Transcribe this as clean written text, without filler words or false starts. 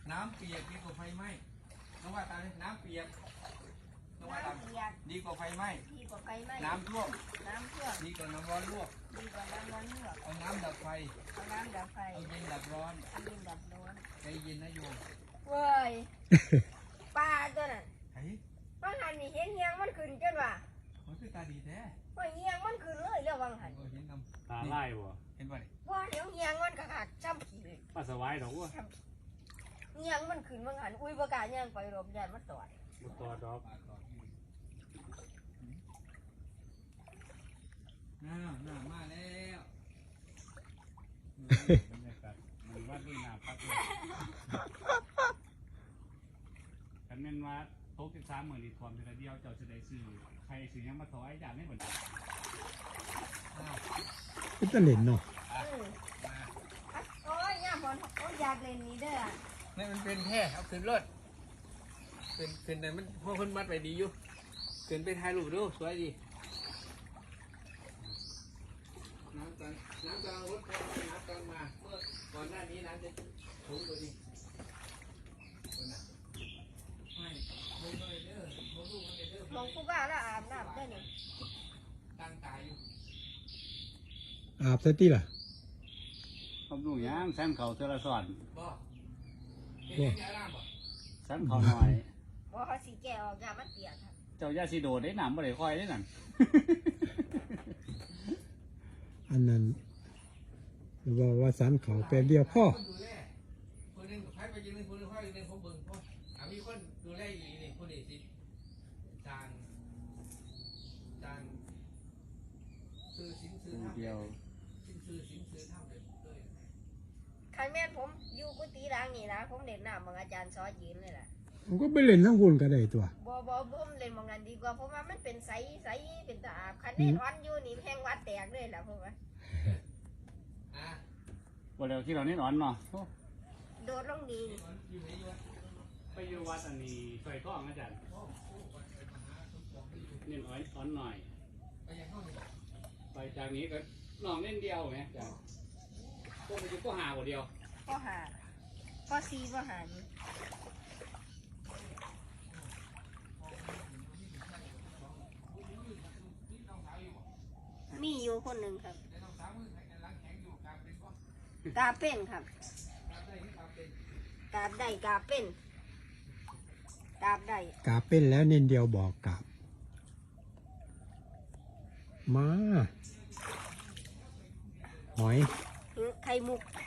น้ำเปียกดีกว่าไฟไหม้น้องว่าตามน้ำเปียกน้องว่าตามดีกว่าไฟไหม้น้ำท่วมดีกว่าน้ำร้อนลวกเอาน้ำดับไฟเอาเย็นดับร้อนใจเย็นนะโยมเว้ยปลาตัวนั้นวังหันนี่เห็นเฮียงมันขึ้นจนว่ามันคือตาดีแท้ว่าเฮียงมันขึ้นเลยแล้ววังหันเห็นนำตาไล่บ่เห็นป่ะนี่ว่าเดี๋ยวเฮียงมันกระขาดช้ำขี้เลยป้าสวายดอกว่าเฮียงมันขึ้นวังหันอุ้ยประกาศเฮียงไปรบยานมันต่อยบุตรดอกน้ามาแล้วบรรยากาศมันวัดด้วยน้ำพักเลยกันแม่นว่าโต๊ะ13มื้อนี้ทอมเทื่อเดียวเจ้าจะได้ซื้อใครซื้อหยังมาถวายอย่างนี้บ่ได้ก็จะเล่นเนาะโอ้ยย่าบอลเขาอยากเล่นนี้เด้อนี่มันเป็นแค่เอาขึ้นรถขึ้นแต่มันพวกคนมัดไปดีอยู่ขึ้นไปถ่ายรูปดูสวยดีน้ำกลางรถพอน้ำกลางมาเมื่อก่อนหน้านี้น้ำจะถูกตัวดีไม่เลยเด้อมองดูมันเด้อมองกูบ้าแล้วอาบน้ำได้นี่ตั้งตายอยู่อาบซะติล่ะผมดูหยังแซมเขาเทื่อละซ้อนบ่เห็นยังไงล่ะบ่แซมเขาหน่อยว่าเขาสีแก่ออกยามันเปียกครับเจ้าย่าสิโดดได้น้ำบ่ได้ค่อยได้นั่นอันนั้นว่าสันเขาแปลเดียวพ่อคนดูแลคนหนึ่งใครไปยืนคนหนึ่งค่อยยืนผมเบิ่งเพราะมีคนดูแลอยู่นี่คนนี้สิจางซื้อสินซื้อทำเดียวสินซื้อทำเลยใครแม่นผมอยู่กุฏิร้างนี่นะผมเล่นน้ำมองอาจารย์ซอยืนเลยล่ะมันก็ไปเล่นทั้งหุ่นก็ได้ตัวบ่ผมเล่นมองนั้นดีกว่าเพราะว่ามันเป็นใสเป็นตาอาบคันนี้ร้อนอยู่นี่แห้งวัดแตกเลยล่ะผมว่าบ่แล้วที่เราเน้นอ่อนเนาะโดดลงดีไปอยู่วัดอันนี้ซอยท้องอาจารย์เน้นอ่อนหน่อยไปจากนี้ก็น้องเล่นเดียวไหมจ้ะพวกมันอยู่ก็หาบ่เดียวก็หาก็ซีก็หานี่มีอยู่คนหนึ่งครับกาเป็นครับกาบได้กาเป็นกาบได้กราบเป็นแล้วเน้นเดียวบอกกราบมาหอยไข่มุก